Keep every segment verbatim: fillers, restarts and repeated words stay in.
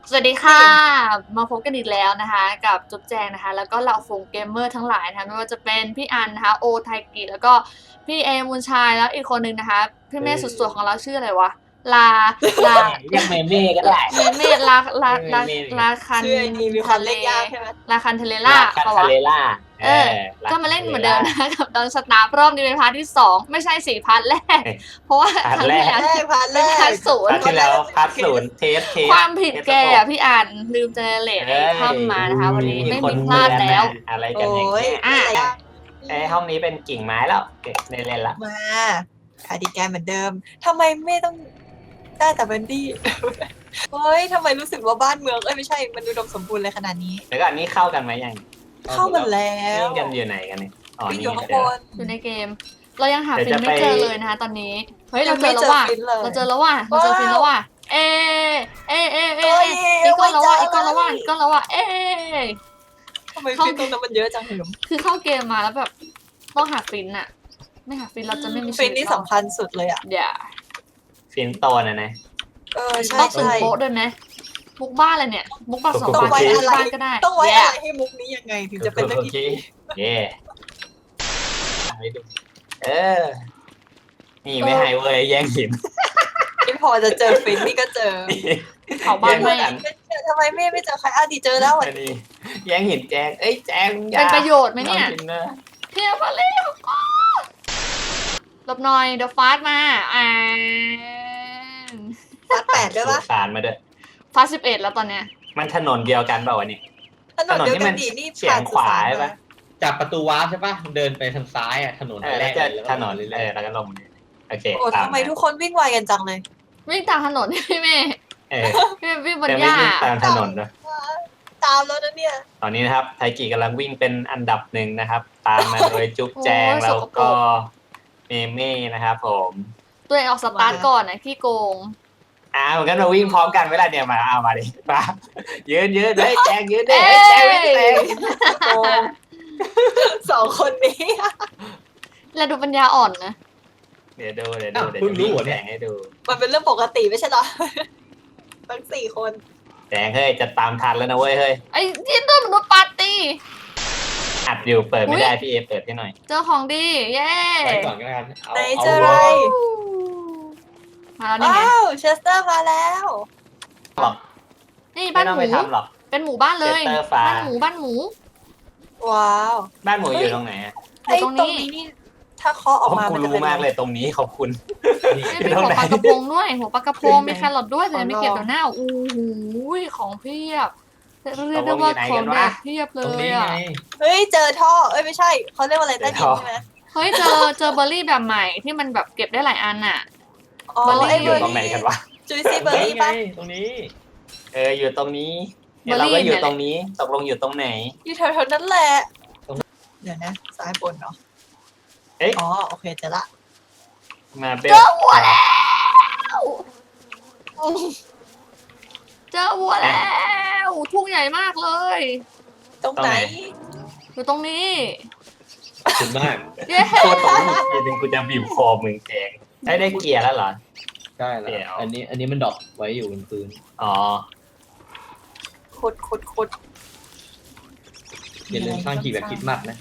สวัสดีค่ะ มาพบกันอีกแล้วนะคะ กับจุ๊บแจงนะคะ แล้วก็เหล่าฝูงเกมเมอร์ทั้งหลายนะคะไม่ว่าจะเป็นพี่อันนะคะโอไทกิแล้วก็พี่เอมูนชายแล้วอีกคนนึงนะคะพี่เมฆสุดสวยของเราชื่ออะไรวะลาลาเรียกเมเม่ก็ได้เมเมลาลาลาเมเม่ลาคันชื่อไอดีมีความทะเลเล่นยากใช่ไหมลาคันเทเลล่าลาคาปะทาวะเลล่าเออ ก็มาเล่นเหมือนเดิมนะคะกับดอนสตาร์รอบนี้เป็นพาร์ทที่สองไม่ใช่สี่พาร์ทแรก เพราะว่าครั้งที่แล้วแรกพาร์ทแรเป็นพาร์กทศูนพาย์ร์ทที่แล้วพาร์ทศูนย์เทสเทสความผิดแกอ่ะพี่อ่านลืมเจเนเรตไอ้ถ้ำมานะคะ วันนี้ไม่มีพลาดแล้วอะไรกันโอ้อย่างยเงี้ยอ่ะอ่ะไอห้องนี้เป็นกิ่งไม้แล้วในเล่นละมาคาร์ดิแกนเหมือนเดิมทำไมไม่ต้องได้แต่เบนดี้ เฮ้ยทำไมรู้สึกว่าบ้านเมืองเอ้ยไม่ใช่มันดูดมสมบูรณ์เลยขนาดนี้แล้วก็อันนี้เข้ากันไหมยังเข้ามาแล้ววิ่งกันอยู่ไหนกันเนี่ยอ๋อวิ่งนี่อยู่ข้างเจบอนอยู่ในเกม เรายังหาเดี๋ฟิยวน จะไม่เจอไปเลยนะคะตอนนี้ เฮ้ยยัเรางเจไม่อแล้วว่ะเจอฟินเลยเราเจอแล้วว่ะเราเจอฟินแล้วว่ะเอเอเอเอเฮ้ยอีกก้อนแล้วว่ะไม่อีกเจก้ออนแล้วว่ะเลยอีกก้อนแล้วว่ะเอทำไมฟินตรงนั้นมันเยอะจังหืมคือเข้าเกมมาแล้วแบบต้องหาฟินอะไม่หาฟินเราจะไม่มีชีฟิวินตนี่รอดสำคัญสุดเลยอ่ะอย่าฟินโตนะนะเออใช่ต้องตึงใช่โป๊ะด้วยนะมุกบ้านเลยเนี่ยมุกบัตรสองต้องบาทไว้ที่อะไรบ้านก็ได้ต้องไว้แย่อะไรให้มุกนี้ยังไงถึงจะเป็นเรื่องโอที่เคดีเย่เออ นี่ไม่ให้เว้ยแย่งหินที่พอจะเจอฟินนี่ก็เจอเผาบ้านไม่ทำไมไม่ไม่เจอใครอ่ะดีเจอแล้วอันนี้แย่งหินแจงเอ้ยแจงอย่าเป็นประโยชน์ไหมเนี่ยอากินะเพียมาเร็วหลบหน่อยเดี๋ยวฟาสมาอ่าฟาดแปดด้วยปะสารมาด้วยฟาสสิบเอ็ดแล้วตอนเนี้ยมันถนนเดียวกันเปล่าวะนี่ถนนเดียวกันดีนี่เฉียงขวาใช่ปะจากประตูวาร์ปใช่ปะเดินไปทางซ้ายอ่ะถนนเออแรแล้วกจะเลยถนนเลยเออแล้วก็ลงเนี่ยโอเคโอ้ตามทำไมทุกคนวิ่งไวกันจังเลยวิ่งตามถนน พี่เมย์เออพี่วิ่งบนแต่หไม่ญ้าวิ่งตามถนนด้วยตามแล้วนะเนี่ยตอนนี้นะครับไทกิกำลังวิ่งเป็นอันดับหนึ่งนะครับ ตามมาโดยจุ๊บแจงแล้วก็เมเม่นะครับผมตัวเองออกสตาร์ทก่อนนะขี้โกงอ้าวงั้นเราวิ่งพร้อมกันเวลาเนี่ยมาเอามาดิมายืนยืนเฮ้ยแจงยืนดิเฮ้ยแจงวิ่งแจงโอ้สองคนนี้แล้วดูปัญญาอ่อนนะเดี๋ยวดูเดี๋ยวดูเดี๋ยวจะวิ่งแจงให้ดูมันเป็นเรื่องปกติไม่ใช่เหรอทั้งสี่คนแจงเฮ้ยจะตามทันแล้วนะเว้ยเฮ้ยไอ้ที่ตัวมนุษย์ปาร์ตี้อัดอยู่เปิดไม่ได้พี่เอเปิดให้หน่อยเจอของดีเย้ไปก่อนก็แล้วกันเอาไหนเอาเจออะไรมาแล้วนี่ไงว้าวเชสเตอร์มาแล้วนี่ไม่บ้านต้องหไปมูทำหรอกเป็นหมู่บ้านเลยเซ็นเตอร์ฟ้าบ้านหมูบ้านหมูว้าวบ้านหมูอยู่ตรงไหนอะอยู่ไอ้ตตรรง งนี้นี้นี่ถ้าเคาะออกมากูมันจะรู้เป็นมากเลยตรงนี้ขอบคุณนี่นี่มีหัวปลากระพงด้วยหัวปลากระพงมีแครอทด้วยแต่ยังไม่เก็บเดี๋ยวหน้าโอ้โหของเพียบเรียกได้ว่าของเด็ดเพียบเลตรงยนี้อ่ะไงเฮ้ยเจอท่อเอ้ยไม่ใช่เขาเรียกว่าอะไรใต้ดินใช่ไหมเฮ้ยเจอเจอเบอร์รี่แบบใหม่ที่มันแบบเก็บได้หลายอันอ่ะอ๋อเบอร์รี่ไอ้อเบอยู่ ร์ตรงไหนรี่กันวะจุยซี่เบอร์รี่ไงปะตรงนี้เอออยู่ตรงนี้เนี่ยเราก็อยู่ตรงนี้ตกลงอยู่ตรงไหนอยู่แถวๆนั้นแหละเดี๋ยวนะซ้ายบนเนาะเอ๊ะอ๋อโอเคเจอละมาเบลเจอวัวแล้วเจอวัวแล้วทุ่งใหญ่มากเลยตรงไหนอยู่ตรงนี้ขอบคุณมากเย้โคตรตรงนี้จริงๆกูจะบีบคอมึงแจงได้ได้เกียร์แล้วเหรอได้แล้เดี๋ยววอันนี้อันนี้มันดรอกไว้อยู่บนพื้นอ๋อขุดขุดขุดอย่าลืมสร้างขีดแบบคิดมากนะ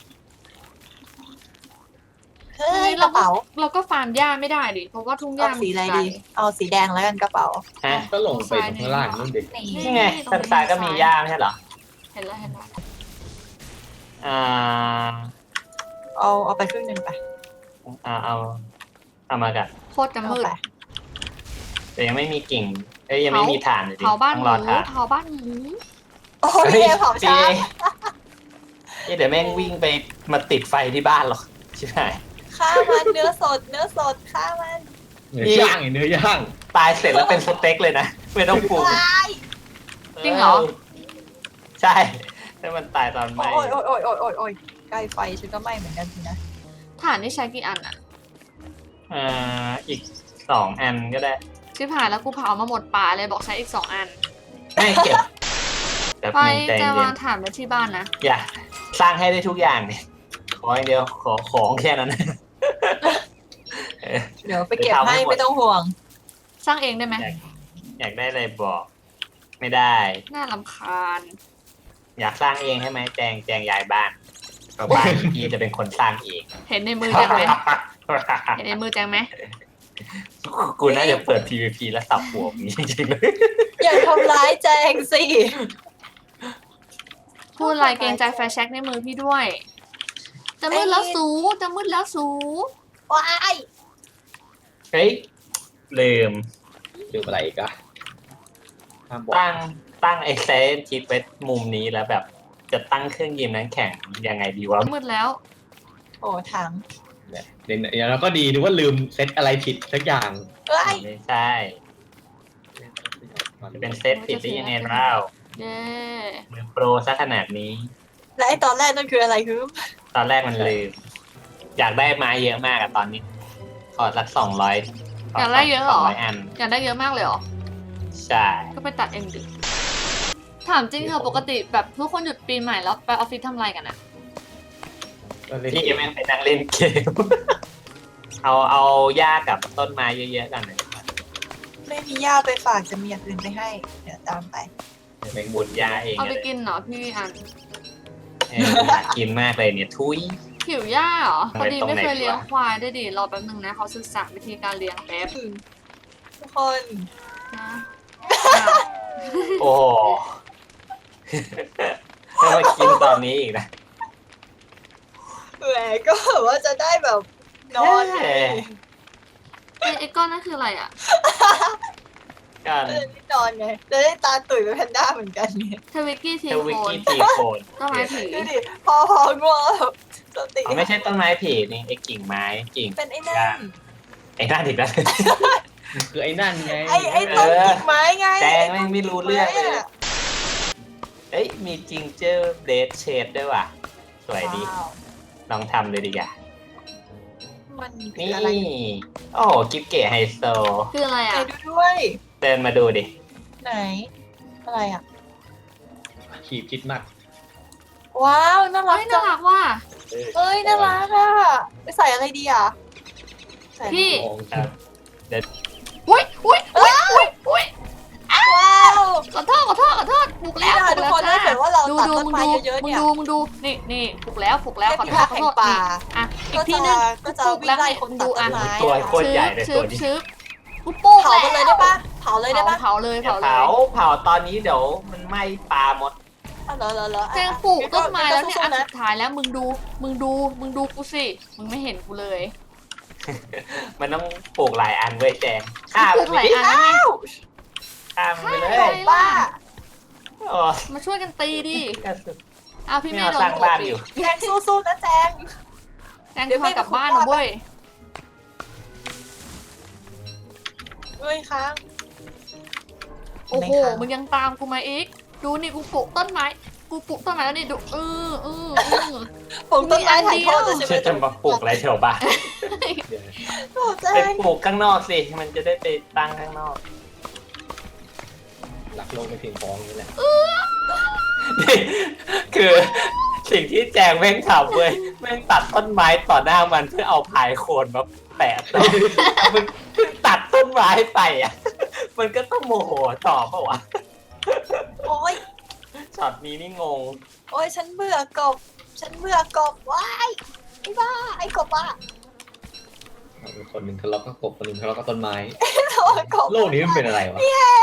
เฮ้ยกระเป๋าเราก็ฟาร์มหญ้าไม่ได้ดิเพราะว่าทุ่งหเอาญ้าสีอะไรมันดี เอาสีแดงแล้วกันกระเป๋าฮะก็ลงไปตรงข้างล่างนู่นเด็กนี่ไงทางซ้ายก็มีย่าไม่ใช่เหรอเห็นแล้วเห็นแล้วอ่าเอาเอาไปครึ่งหนึ่งไปอ่าเอาเอามากันโคตรจะเอามืดไปแต่ยังไม่มีกิ่งเอ้ยยังไม่มีฐานอยู่ดิเผาบ้านต้องหรมูอฐานเผาบ้านหมูโอ้ยเดี๋ยวเผาช้าเอ้ยเดี๋ยวแม่งวิ่งไปมาติดไฟที่บ้านหรอกใช่ไหมฆ่ามันเนื้อสด เนื้อสดฆ่ามันเนื้อย่างไงเนื้อย่างตายเสร็จแล้วเป็นสเต็กเลยนะไม่ต้องปรุงตายจริงเหรอใช่ถ้ามันตายตอนไหมโอ้ยโอ้ยโอ้ยโอ้ยโอ้ยโอ้ยใกล้ไฟฉันก็ไหม้เหมือนกันสินะฐานนี่ใช้กี่อันอะอ่าอีกสองอันก็ได้ชิบหายแล้วกูเผามาหมดป่าเลยบอกใช้อีกสองอันไม่เก็บแบบไปหนึ่งใจจะเย็วาน งฐานไว้ที่บ้านนะอย่าสร้างให้ได้ทุกอย่างเนี่ยขออย่างเดียวขอของแค่นั้น เออเดี๋ยวไปเก็บไปทำให้ให้หมดไม่ต้องห่วงสร้างเองได้ไหมอยากได้อะไรบอกไม่ได้น่ารำคาญอยากสร้างเองใช่ไหมแจงแจงย้ายบ้านเพราะบ้านพี่จะเป็นคนสร้างเองเห็นในมือแจงไหมเห็นในมือแจงไหมกูน่าจะเปิด พี วี พี แล้วสับหัวมึงจริงๆเลยอย่าทำร้ายแจงสิพูดอะไรเกรงใจแฟร์แช็กในมือพี่ด้วย จะมืดแล้วสูจะมืดแล้วสูว้ายเฮ้ยลืมดูอะไรอีกันห้ามบอกตั้งตั้งไอ้เซนทิดไว้มุมนี้แล้วแบบจะตั้งเครื่องยิมนั้นแข่งยังไงดีวะมืดแล้วโอ้ถังเนี่ยเดี๋ยวอย่างเราก็ดีนึกว่าลืมเซตอะไรผิดสักอย่างเอ้ยไม่ใช่จะเป็นเซตผิดได้ยังไงเล่าเย้มือโปรซะขนาดนี้และไอตอนแรกนั่นคืออะไรคือตอนแรกมันลืม อยากได้ไม้เยอะมากอะตอนนี้ ขอสักสองร้อยอยากได้เยอะเหรอสองร้อยอันอยากได้เยอะมากเลยเหรอใช่ก็ไปตัดเองดิถามจริงเถอะปกติแบบทุกคนหยุดปีใหม่แล้วไปออฟฟิศทำอะไรกันอะก็เลยพี่ไม่ไปนั่งเล่นเกม เอาเอาหญ้ากับต้นไม้เยอะๆกันเลยไม่มีย่าไปฝากจะมีอย่างอื่นไปให้ เดี๋ยวตามไปไปบุญหญ้าเองเอาไปเลยกินเหรอพี่อันเอออยากกินมากเลยเนี่ยทุยหิวหญ้าเหรอทำพไมอดีตรงไหนไม่เคยเลี้ยงวะควายได้วยดิรอแป๊บนึงนะเขาศึกษาวิธีการเลี้ยงแป๊บทุกคนนะโอ้โห ถ้ามากินตอนนี้อีกนะแหมก็แบบว่าจะได้แบบนอนไงเฮ้ไอ้ไอ้ก้อนนั่นคืออะไรอะกันจะได้นอนไงจะได้ตาตุ๋ยเป็นแพนด้าเหมือนกันเนี่ยเทวิกกี้ทีเทวิโคกนกี้ตีโคนต้นไม้ผีดูดิพอพอง่วงแบบสติอ๋อไม่ใช่ต้นไม้ผีนี่ไอ้กิ่งไม้กิ่งเป็นไอ้นั่นไอ้นั่นอีกแล้วคือไอ้นั่นไงไอ้ไอ้ต้นกิ่งไม้ไงแจงแม่งไม่รู้เรื่องเลย เอ้ยมีจิงเจอร์เบดเชดด้วยว่ะ สวยดีว้าวลองทำเลยดีกว่ามันคือนี่อะไรโอ้โหกิฟเก๋ไฮโซคืออะไรไหนอะดูด้วยเดินมาดูดิไหน อะไรอ่ะขีบคิดมากว้าวน่ารัเฮ้กยจัน่าง รักว่ะเอ้ยน่ารักอ่ะไปใส่อะไรดีอ่ะใส่อะไรพี่มองครับอุ้ยอุ้ยอุ้ยอุ้ยอุ้ยว้าวขอโทษขอโทษขอโทษปลุกแล้วนี่นะปลุทุกกคนแล้วถ้าเกิดว่าเราดูตัดดูต้นมึงไม้ดูเยอะๆมึงเนี่ยดูมึงดูนี่นี่ปลุกแล้วปลุกแล้วขอโทษขอโทษเทพพิทักษ์แห่งป่านี่อ่ะอีก็กทีจะนึงก็จะปลุกวิ่แล้งวไล่ให้คนดูตัดต้อ่ะนไม้ตัวอะโคตรใหญ่เลยชึตัวบนี้ชึบกูปลุกเผามันเลยได้ปะเผาเลยได้ปะเผาเลยอย่าเผาเลเผาย เผาตอนนี้เดี๋ยวมันไหม้ปลาหมดเอาเหรอเหรอเหรอแจงปลูกต้นไม้แล้วเนี่ยสู้อันๆนะสุดท้ายแล้วมึงดูมึงดูมึงดูกูสิมึงไม่เห็นกูเลยมันต้องปลูกหลายอันเว้ยแจงฆ่าปลูมันกหลายอันนะไงฆ่ามันไปเลฆ่ายเลยบ้าโอ้มาช่วยกันตีดิกระสุนอ้าวพี่ไม่เมย์เอาโดสร้าน งบ้านอยู่แจงสู้ๆนะแจงแจงพากลับบ้านนะเว้ยเฮ้ยค้างโอ้โหไม่ค่ะมึงยังตามกูมาอีก ดูนี่กูปลูกต้นไม้ กูปลูกต้นไม้แล้วนี่ดูเออเออเออปลูกต้นไม้ถ่ายทอดจะใช่ไหมจะจะมาปลูกอะไรแถวบ้านโอ้แจไปงปลูกข้างนอกสิ มันจะได้ไปตั้งข้างนอกหลักโลกไม่เพียงพอนี่แหละนี่คือสิ่งที่แจงแม่งทำเว้ยแม่งตัดต้นไม้ต่อหน้ามันเพื่อเอาพายโคนมาแปะต่อมึงเพิ่งตัดต้นไม้ไปอ่ะ มันก็ต้องโมโหต่อเปล่าวะโอ้ยช็อตนี้นี่งงโอ้ยฉันเบื่อกบ ฉันเบื่อกบว้ายไอ้บ้าไอ้กบอ่ะคนหนึ่งทะเลาะกับกบคนหนึ่งทะเลาะกับต้นไม้โอ้ยกบโลกนี้มันเป็นอะไรวะ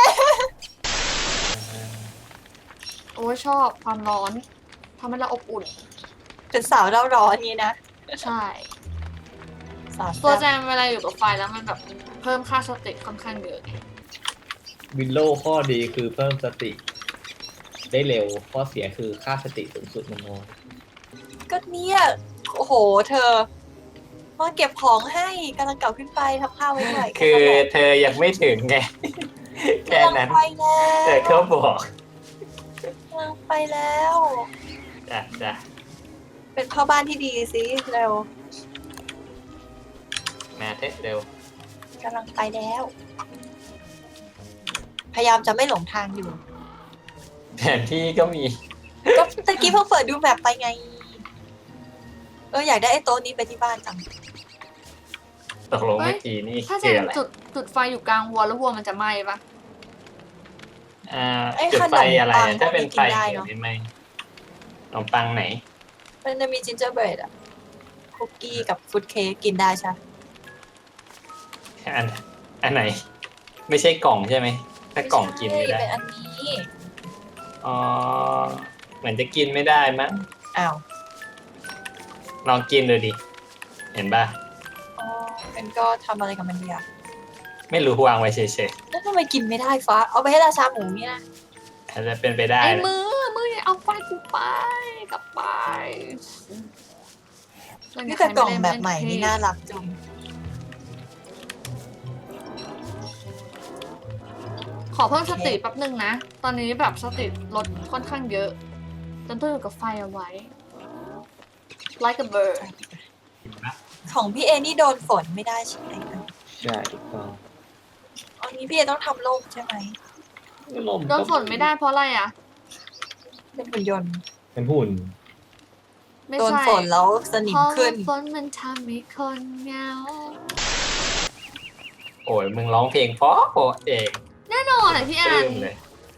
โอ้ยชอบความร้อนทำให้เราอบอุ่นเป็นสาวเร่าร้อนนี้นะใช่สาวตัวแจแซ่บมเวลาอยู่กับไฟแล้วมันแบบเพิ่มค่าสติค่อนข้างเยอะวินโลว์ข้อดีคือเพิ่มสติ ได้เร็วข้อเสียคือค่าสติสูงสุดมันน้อยก็เนี่ยโอ้โห เธอมาเก็บของให้กำลังเก่าขึ้นไปทำข้าวไว้หน่อยคือเธอยังไม่ถึงไง แค่กำลังนั้นไปแล้เธอวเขาบอกกำลังไปแล้วจ้ะจ้ะเป็นพ่อบ้านที่ดีสิเร็วมาเทสเร็วกำลังไปแล้ว พยายามจะไม่หลงทางอยู่แผนที่ก็มีก็ตะกี้เพิ่งเปิดดูแมปไปไง เอออยากได้ไอ้โต๊ะนี้ไปที่บ้านจังตกลงเมื่อกี้นี่ถ้าแจคือมอะไรจุดจุดไฟอยู่กลางวัวแล้ววัวมันจะไหม้ปะไอ่าไอ้จุดขนไฟมอะไรปังอะถ้าเป็นพวกนี้ไฟกินได้เดี๋ยวเนอะนี้ไม่ขนมปังไหนมันจะมีจินเจอร์เบรดอะคุกกี้กับฟุตเค้กกินได้ใช่อันอันไหน ไม่ใช่กล่องใช่ไหมถ้ากล่องกินไม่ได้เป็นอันนี้อ๋อเหมือนจะกินไม่ได้มั้งอ้าวลองกินดูดิเห็นป่ะอ๋องั้นก็ทำอะไรกับมันดีอะไม่รู้วางไว้เฉยแล้วทำไมกินไม่ได้ฟ้า เอาไปให้ราชาหมูเนี่ยนะๆอาจจะเป็นไปได้ไอ้นะมือมืออย่าเอาไฟกูไปกลับไปนี่แต่กล่องแบบใหม่นี่น่ารักจังขอเพิ่มสติแป๊บหนึ่งนะ ตอนนี้แบบสติลดค่อนข้างเยอะจนต้องอยู่กับไฟเอาไว้ like a bird ของพี่เอนี่โดนฝนไม่ได้ใช่ไหมใช่ถูกต้องอันนี้พี่เอต้องทำโล่มใช่ไหมลมโดนฝนไม่ได้เพราะอะไรอ่ะเป็นหุ่นยนต์เป็นหุ่นไม่โดนใช่ฝนแล้วสนิเพมราะขึ้นว่าฝนมันทำให้คนเหงาโอ้ยมึงร้องเพลงเพราะเพราะเองแน่นอนอ่ะพี่อัลืนมเลย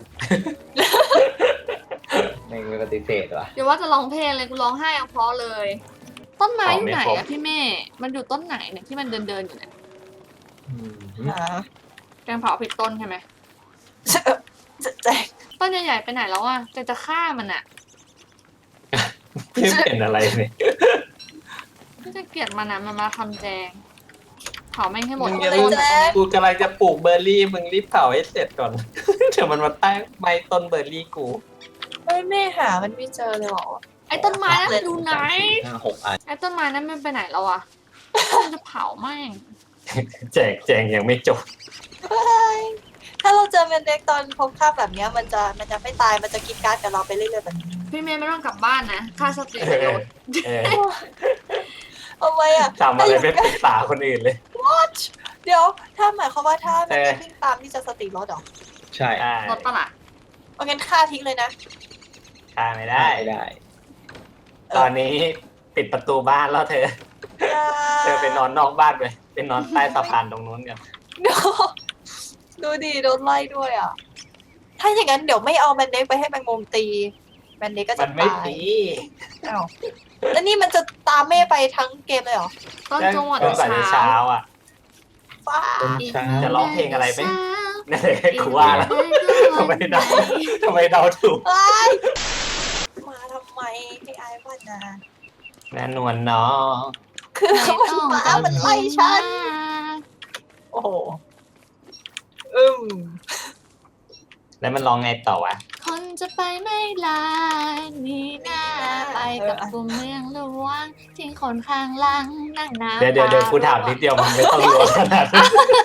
ไม่ไม่ปฏิเสธว่ะเดี๋ยวว่าจะร้องเพลงเลยกูร้องไห้เอาเพราะเลย ต้นไม้อยู่ไหนของไม่ครอะบพี่เม่มันอยู่ต้นไหนเนี่ยที่มันเดินเดินๆอยู่เนี่ยอืมหาแกงเผาผิดต้นใช่ไหมจะแจกต้นใหญ่ๆไปไหนแล้วอ่ะจะจะฆ่ามันอ่ะไม่เป็นอะไรเลยไม่จะเกลียดมันนะมันมาทำแจงเผาแม่งให้หมดมึงต้จะนรีบอะกูกำลังจะปลูกเบอร์รี่มึงรีบเผาให้เสร็จก่อน เดี๋ยวมันมาใต้ใบต้นเบอร์รี่กูเฮ้ยแม่หามันไม่เจอเลยเหรอไอ้ต้นไม้นั้นมันอยู่ไหนห้าหกอันไอ้ต้นไม้นั้นมันไปไหนแล้วอ่ะมันจะเผาแม่งแจกแจงยังไม่จบเฮ้ยถ้าเราเจอแมนเด็กตอนพบค่าบแบบเนี้ยมันจะมันจะไม่ตายมันจะกินการ์ดกับเราไปเรื่อยๆแบบนี้พี่เมย์ไม่ต้องกลับบ้านนะค่าสติประโยชน์เออเอาไว้อะทำอะไรไม่ปรึกษาคนอื่นเลยเดี๋ยวถ้าหมายความว่าถ้าแมนเด็กเออวิ่งตามที่จะสติลดเหรอใช่ได้รถปะล่ะเอางั้นฆ่าทิ้งเลยนะฆ่าไม่ได้ได้ได้ตอนนี้ปิดประตูบ้านแล้วเธอ เธอไปนอนนอกบ้านไปไปนอนใต้สะพานตรงนู้นกันดูดูดิโดนไล่ด้วยอ่ะ ถ้าอย่างนั้นเดี๋ยวไม่เอาแมนเด็กไปให้แมงมุมตีแมนเด็กก็มัจะนไม่ตายตีอ้าวแล้วนี่มันจะตามแม่ไปทั้งเกมเลยเหรอต้นจังหวัดจนกว่าจะเช้าเช้าอ่ะฟ้าต้นเช้าจะร้องเพลงอะไรไหม นั่นแหละกูว่าแล้วทำไมเดาทำไมเดาถูกไล่มาทำไมให้อายว่านะแม่นวลเนาะคือมันมามันไล่ฉัน โอ้โหอึ้มแล้วมันร้องไงต่อวะคนจะไปไม่ลานี่นาไปกับกลุ่มเมืองหลวงทิ้งคนข้างหลังนั่งน้ำเดี๋ยวเดี๋ยวเดี๋ยวกูถามนิดเดียวมันไม่ต้องรัวขนาดนั้น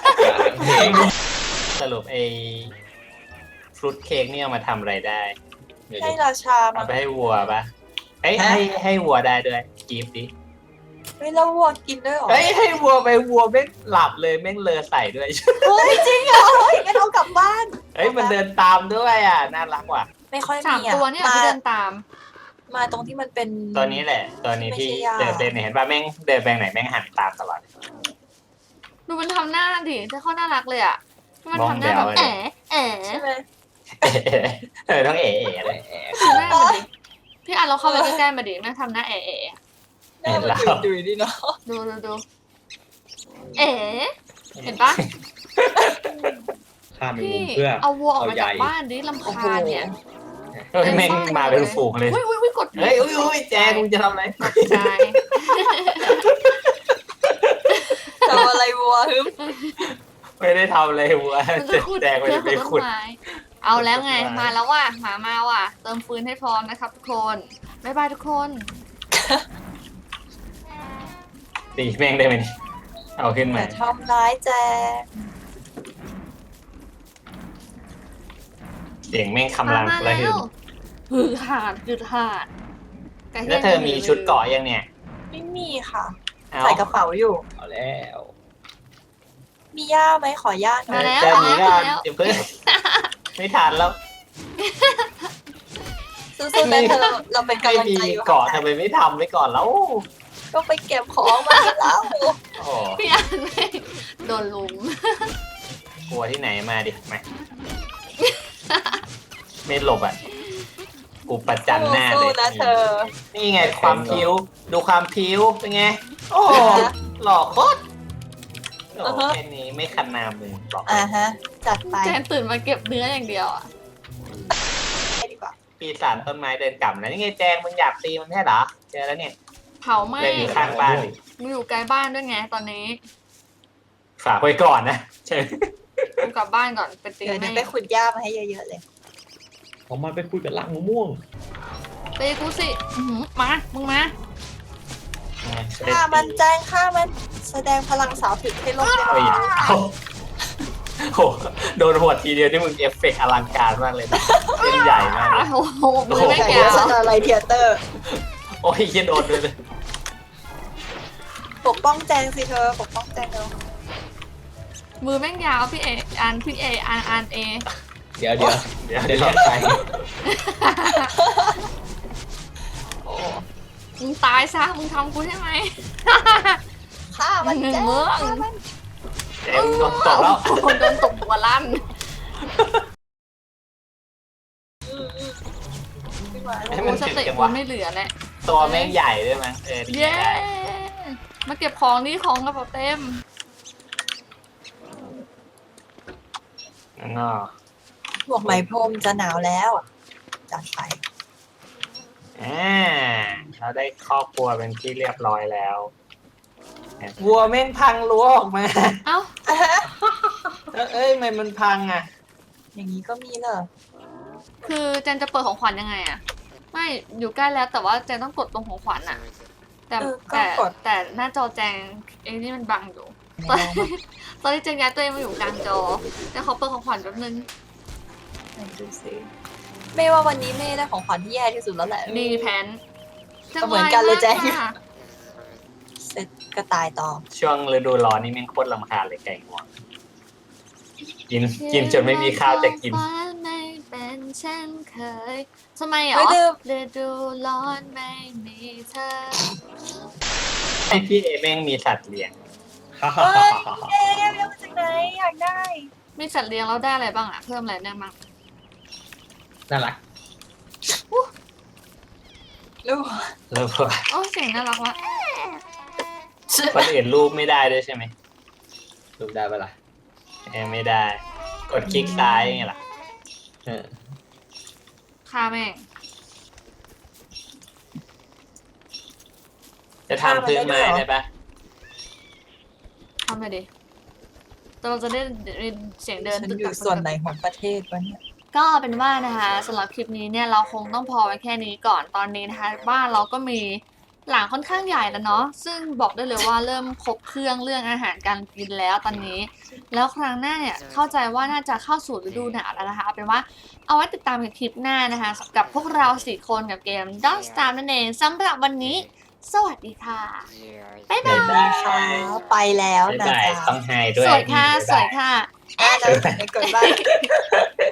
สรุปไอ้ฟรุตเค้กนี่เอามาทำอะไรได้เดี๋ยวให้ดิราชาเอามาไปให้วัวปะเอ้ยให้ให้วัวได้ด้วยกีฟดิเฮ้ยแล้ววัวกินด้วยเหรอเฮ้ยให้วัวไปวัวแม่งหลับเลยแม่งเลอใส่ด้วยเฮ้ยจริงเหรอเฮ้ยงั้นเอากลับบ้านเฮ้ยมันเดินตามด้วยอ่ะน่ารักว่ะไม่ค่อยสามมีอ่ะตัวเนี่ยมาที่เดินตามมาตรงที่มันเป็นตัวนี้แหละ ตัวนี้ที่ไม่ใช่ยาเดินเดินเห็นป่ะแม่งเดินไปไหนแม่งหันตามตลอดดูมันทำหน้าดิจะเข้าน่ารักเลยอ่ะมันทำหน้ามแบองบแบวเลยแอ๋แอ๋ใช่ไหมเออต้องเอ๋ๆเลยดูหน้ามันดิพี่อ่านเราเข้าไปใกล้ๆมาดิแม่งทำหน้าแอ๋แอ๋หน้ามันดุยๆดีเนาะดูดูดูเอ๋เห็นปะฆ่าแมงพี่มุมเพื่อเอาวัวออกมาเอาใหญ่จากบ้านดิลำคาญเนี่ยเฮ้ยแม่งมาเป็นฝูงเลยอุ้ยอุ้ยอุ้ยกดเฮ้ยอุ้ยอุ้ยแจงมึงจะทำอะไรใช่ทำอะไรวัวฮึมไม่ได้ทำอะไรวัวมันจะขุดแจงไปเพื่อไปขุดต้ขุดนไม้เอาแล้วไงขุดต้นไม้มาแล้วว่ะหมามาว่ะ เติมฟืนให้พร้อมนะครับทุกคนบ๊ายบายทุกคนตีแม่งได้ไหมนี่เอาขึ้นอมาย่าทำร้ายแจงเสียงแม่งมาคำรามมาระแล้หึ่วมหือหาดหือหาดไก่แล้วเธอมีชุดเกาะยังเนี่ยไม่มีค่ะเอาใส่กระเป๋าอยู่เอาแล้วมีย่าไหมขอย่าหน่มาอยแล้วเจอมานี้แล้วก็มาแล้วเดี๋ยวเพิ่งไม่ทันแล้วสู้ๆนะเธอเราเราเป็นไม่กำลังมีใจอยู่เกาะทำไมไม่ทำไว้ก่อนแล้วก็ไปเก็บของมาแล้วโอ้โหพี่อ่านไม่โดนลุมกลัวที่ไหนมาดิมาไม่หลบอ่ะกูประจันหน้าเลสู้ยๆนะเธอนี่ไงความพิ้วดูความพิ้วเป็นไง โอ้โหหล่อโคตรโอ้อือฮะแค่นี้ไม่คันนามเลยบอกอ่าฮะ จัดไปแจงตื่นมาเก็บเนื้ออย่างเดียวอ่ะให้ดีกว่าปีศาจต้นไม้เดินกลับนะนี่ไงแจงมึงอยากตีมันแค่เหรอเจอแล้วเนี่ยเผาไหม้เดินอยู่ข้างบ้านดิมึงอยู่ไกลบ้านด้วยไงตอนนี้ฝากไว้ก่อนนะใช่กูกลับบ้านก่อนไปตีเดี๋ยวแม่เดี๋ยวไปขุดหญ้ามาให้เยอะๆเลยออกมาไปคุยกับลังมะม่วงตีกูสิอื้อหือมามึงมาฆ่ามันแจ้งฆ่ามัน แสดงพลังสาวผิดให้โลกได้เฮ้ยรับเอาโหโดนหัวทีเดียวนี่มึงเอฟเฟกต์อลังการมากเลยนะเล่นใหญ่มากเลยโอ้โหมือไม่แต่แก้ว่าว สตาร์ไลท์เทียเตอร์โอ้ยเหี้ยันโดนด้วยเลยปกป้องแจงสิเธอ ปกป้องแจงเธอมือแม่งยาวพี่เออันพี่เออันอันเอเดี๋ยวเดี๋ยวเดี๋ยวเดี๋เดี๋ยยว วไปโอ้มึงตายซะมึงทำกูใช่ไหมฆ่ามันแจ้งเมืองฆ่ามันเอ็มโดนตบแล้วโอ้โหโดนตบหัวลั่นขึ้นมาให้โอ้มันสถึงติจังกูวะไม่เหลือแล้วตัวแม่งใหญ่ด้วยมั้งเออดีเย้ได้มาเก็บของนี่ของกระเป๋าเต็มงั้นก็พวกไหมพรมจะหนาวแล้ว จัดไปอ่าเราได้ครอบครัวเป็นที่เรียบร้อยแล้ววัวแม่งพังรั้วออกมาเอ้าเอ้ยเอ้ยทำไมมันพังอ่ะอย่างนี้ก็มีเหรอคือเจนจะเปิดของขวัญยังไงอะไม่อยู่ใกล้แล้วแต่ว่าเจนต้องกดตรงของขวัญอะแต่เออก็แต่กดแต่หน้าจอแจงเองนี่มันบังอยู่ไหนตอนลองมาตอนที่เจนย้ายตัวเองมาอยู่กลางจอแต่เขาเปิดของขวัญแป๊บนึงไหนดูสิไม่ว่าวันนี้ไม่ได้ของขวัญที่แย่ที่สุดแล้วแหละมีแผนก็เหมือนกันเลยแจงจังหวะมากค่ะเสร็จก็ตายต่อช่วงฤดูร้อนนี่แม่งโคตรลำคาญเลยไก่งวงกินกินจนไม่มีข้าวจะกินฟ้าไม่เป็นเช่นเคยทำไมเหรอไม่ดื่มฤดูร้อนไม่มีเธอไอพี่เอแม่งมีสัตว์เลี้ยงฮ่าฮ่าเฮ้ฮ่าย ฮ่าเอ๊ะเอ๊ะเอ๊ะมาจากไหนอยากได้มีสัตว์เลี้ยงแล้วได้อะไรบ้างอะเพิ่มอะไรได้บ้างน่ารักลูกแล้วก็โอ้เสียงน่ารักว่ะคนอื่นรูปไม่ได้ด้วยใช่ไหมดูได้ปะล่ะเออไม่ได้ กดคลิกซ้ายไงล่ะเออฆ่าแม่งจะทำพื้นไม้ได้ปะทำไปดิแต่เราจะได้ยินเสียงเดินฉันตึกอยู่ตักส่วนไหนของประเทศวะเนี่ยก็เป็นว่านะคะสำหรับคลิปนี้เนี่ยเราคงต้องพอไว้แค่นี้ก่อนตอนนี้นะคะ บ้านเราก็มีหลังค่อนข้างใหญ่แล้วเนาะซึ่งบอกได้เลยว่าเริ่มครบเครื่องเรื่องอาหารการกินแล้วตอนนี้ แล้วครั้งหน้าเนี่ยเข้าใจว่าน่าจะเข้าสู่ฤดูหนาวแล้วนะคะเอาเป็นว่าเอาไว้ติดตามในคลิปหน้านะคะกับพวกเราสี่คนกับเกม Don't Starve นั่นเองสำหรับวันนี้ สวัสดีค่ะ บ๊ายบายได้ค่ะไปแล้วบ๊ายนะบายจ๊ะต้องไฮด้วยสวยค่ะบ๊ายสบาวย ยค่ะอ่ะเดี๋ยวเดี๋ยวกดบ้าน